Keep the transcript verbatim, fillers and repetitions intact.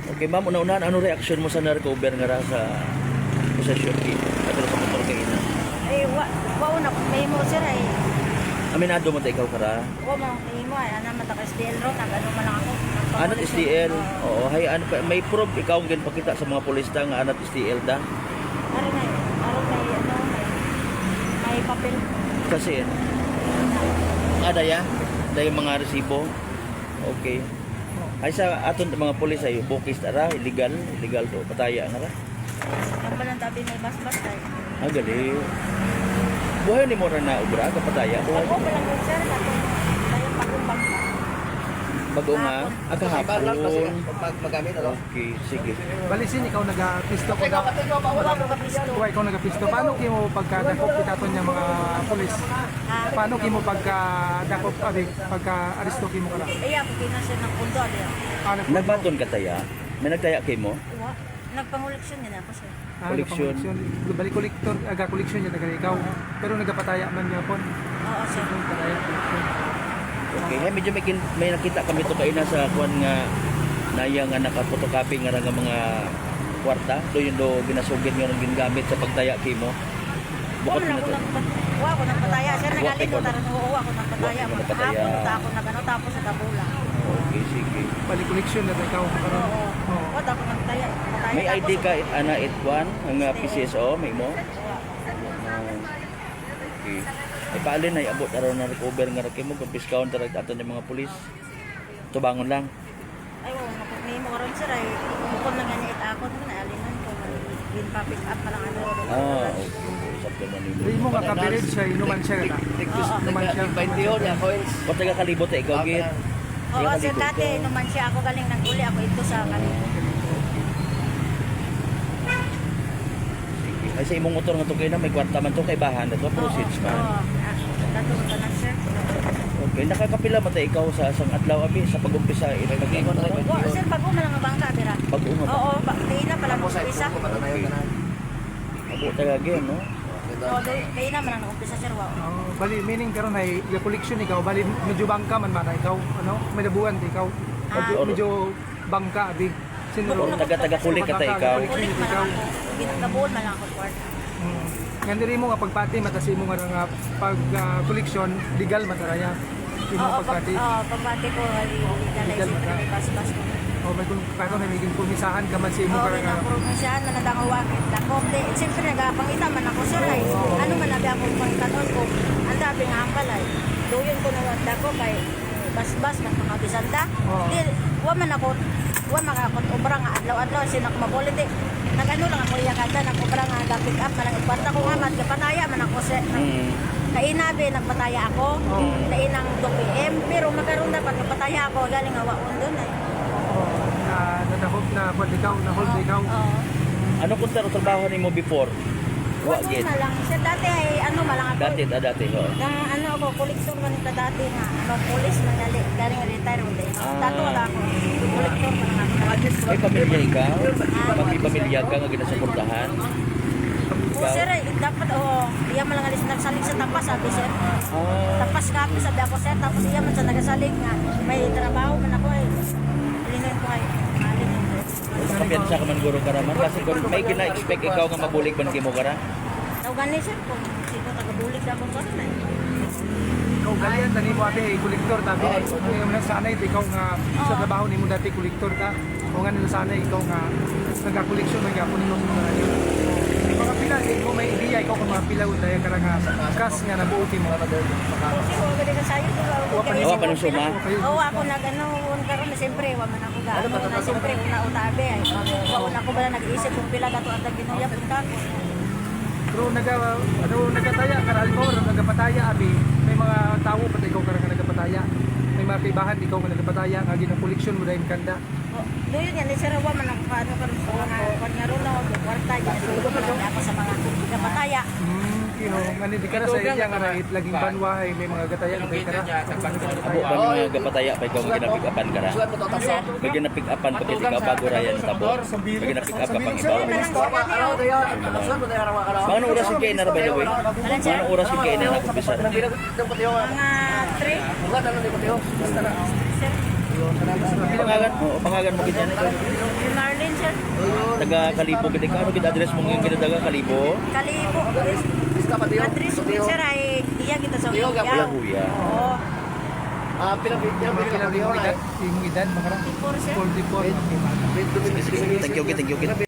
Okay, ma'am, una-unahan, ano reaksyon mo sa na-recover nga ra sa possession key? At sa motor kay ina? Ay, wa, wa una ko may mo sir ay. Aminado mo ta ikaw kara? Wa mo may mo ay ana mata ka S D L ro nag ano man lang ako. Anat S D L. Oo, hay ano pa may proof ikaw ang ginpakita sa mga pulis ta nga anat S D L da. Ari na, ari may ano may may papel. Kasi ada ya, dahil mga resibo. Okay. Ay sa aton mga pulis ay bukis tara, illegal, illegal to, pataya nga ra. Ang balang tabi may bas-bas ay. Ah, gali. Buhay ni mo ra na ubra ka pataya. Buhay. Ako pa lang yun sir ako. Kaya pagumbang pa. Bago nga, ah, kahapon. Pag magamit, ano? Okay, sige. Balisin, ikaw nag-pisto ko daw. Wa ko kapisto. Kuha, ikaw nag-pisto. Paano kimo pagkadakop kitaton niya mga pulis? Ah, Paano kimo pagkadakop, abi, pagka-aristo kimo ka na? ay ako kinasya ng pundo ali. Ano po? Nagbaton ka taya? May nagtaya kay mo? Wa nagpanguleksyon din ako sir. Ah, Koleksyon. nagpakoleksyon. Balik kolektor, aga koleksyon niya taga ikaw. Pero nagapataya man niya po. Oo sir. Pataya, koleksyon. Okay, hey, medyo may, kin- may nakita kami to kaina sa kuan nga naya nga naka-photocopy nga ra nga mga kwarta. Do yung do ginasugid nga ron ginagamit sa pagtaya kay mo. Wa Bukod man na ako to. nang wa ako nang pataya sir Wa, nagalito ikaw na. taran oo ako nang pataya. Wa, ikaw nang pataya. Hapon ta ako nagano tapos sa tabula. Okay, sige. Balik koleksyon na ikaw. Karon. Oo. Oo. Wa ako nang pataya. Pataya May I D tapos- ka ana it kuan ang uh, P C S O may mo? Wa. Ah, okay. Ay paalin ay abot aron na recover nga ra kay mo kung discount ra aton ng mga pulis. Tubangon lang. Ay, oo, napag may mo karon sir ay bukod na nga niit ako na alinan ko bin pa pick up pa lang ano. Ah, okay. Sakto man nimo. Hindi mo makapilit siya, inuman siya ka. Oo. Inuman siya. twenty yun, ya, coins. O taga kalibot eh, ikaw gid. Oo, sir dati naman siya ako galing nang uli ako ito sa kanila. Ay sa imong motor nga to kay na may kwarta man to kay bahan na to proceeds Oo. man. Dato ka na sir. Okay, nakakapila man ta ikaw sa asang adlaw abi sa pag-umpisa ilagay mo na Wa sir bago man ang bangka dira. pag-unga ba? Oo, ba di na pala mo umpisa. Abo taga gyud no. Oo, di na man ang umpisa sir wa. Oh, bali meaning karon ay ga koleksyon ikaw, bali medyo bangka man man ikaw, ano? May dabuan di ikaw. Ah. Medyo bangka abi. Sinuro. Oo, taga-taga kulik ka ta ikaw. Ulit man lang ako. Ginagabuon man lang ako kwarta. Hmm. Nga diri mo nga pagpati matasi mo nga nga pag ah, koleksyon legal mataraya. Imo Oo, pag pagpati. oo, pagpati ko ali legalize ko ni bas-bas ko. O may kung karon ay maging pumisahan ka man sa imo Oo, para nga. pinapromisyahan man nadangawakit ako. Di, siyempre nagapangita man ako sir ay. Ano man nabi ako pangkanon ko. Ang dabi nga hambal ay. Duyon ko na wanda ko kay bas-bas man makabisanda. Oo. Di, wa man ako wa makakot obra nga adlaw-adlaw sinak mabulit di. Nagano lang ako iya kada nag obra nga ga pick up man ang kwarta ko nga man kapataya man ako sa Mm. kainabi nagpataya ako. Oo. Kainang two P M pero magkaroon dapat nagpataya ako galing nga wa undon ay. Oh, na nadahop na pwede ikaw, na hold ikaw. Oo. Ano kung taro trabaho nimo before? Wa Ano gid. na lang. Siya dati ay ano malang ako. Dati ta dati ho. Nang ano ako, koleksyon man ito dati na ano, police man dali. Galing retire mo din. Ah. Dato wala ako. Koleksyon man lang ako. May pamilya ikaw? May pamilya ka nga ginasuportahan? O sir, eh, dapat oh, iya man lang alis nagsalig sa tapas sabi sir. Ah, Tapas kapi sabi ako sir. Tapos iya man sa nagasalig nga. May trabaho man ako eh. Linoy ko ay. Malinoy ko. kampiyansa ka man guro ka raman kasi kung may gina-expect ikaw nga mabulig man kimo ka ra. Tao gani sir kung sino tagabulig sa akong karon eh. Ikaw galian tani mo ate kolektor tabi. Ano yung nasanay ikaw nga sa trabaho nimo dati kolektor ka. O nga nila sanay ikaw nga nagakoleksyon man gyapon nimo sa mga yun. Mga pila eh, kung may ideya ikaw kung mga pila daya ka nga kas nga nabuot mo. Kasi ko gali ka sayo ko. Wa pa Wa pa nung suma? Oo, ako nag-ano, karon na siyempre, wa man ako gaano na siyempre, una utabi ay. Wa una ko bala nag-iisip kung pila dato ang ginuya punta ko. Pero naga ano nagataya karal mo nagapataya abi. May mga tawo pati ikaw ka nga nagapataya. May mga kaibahan ikaw nga nagapataya nga ginakoleksyon mo dahil kanda. O, doon yan, sir, wa man ako kaano karon sa mga kanya ron na kwarta, ginasulo ko lang ako sa mga kapataya. Hmm, kino nga di ka na sa iya nga right laging banwahay may mga gataya nga kay kara. Abo ba nga gapataya pa ikaw nga gina-pick upan ka ra? Sir, May gina-pick upan pag ikaw bago ra yan sa tabo. May gina-pick up ka pang sir, ibaw. na lang sir, ano, Mga anong oras yung kayo na by the way? Mga anong oras yung kayo na nakumpisa? mga three, sir. Pangalan, oh, pangalan mo kita. Si Marlene, sir. Taga Kalibo gid ka. Ano gid address mo ngayon gid taga Kalibo? Kalibo. Address ko, sir, ay iya kita sa Tiyo, Kuya. Kuya Kuya. Oo. Ah, pinapigyan, Bakit pinapigyan yung na edad? Yung edad, makara? forty-four, sir. forty-four. eh. Thank you, thank you.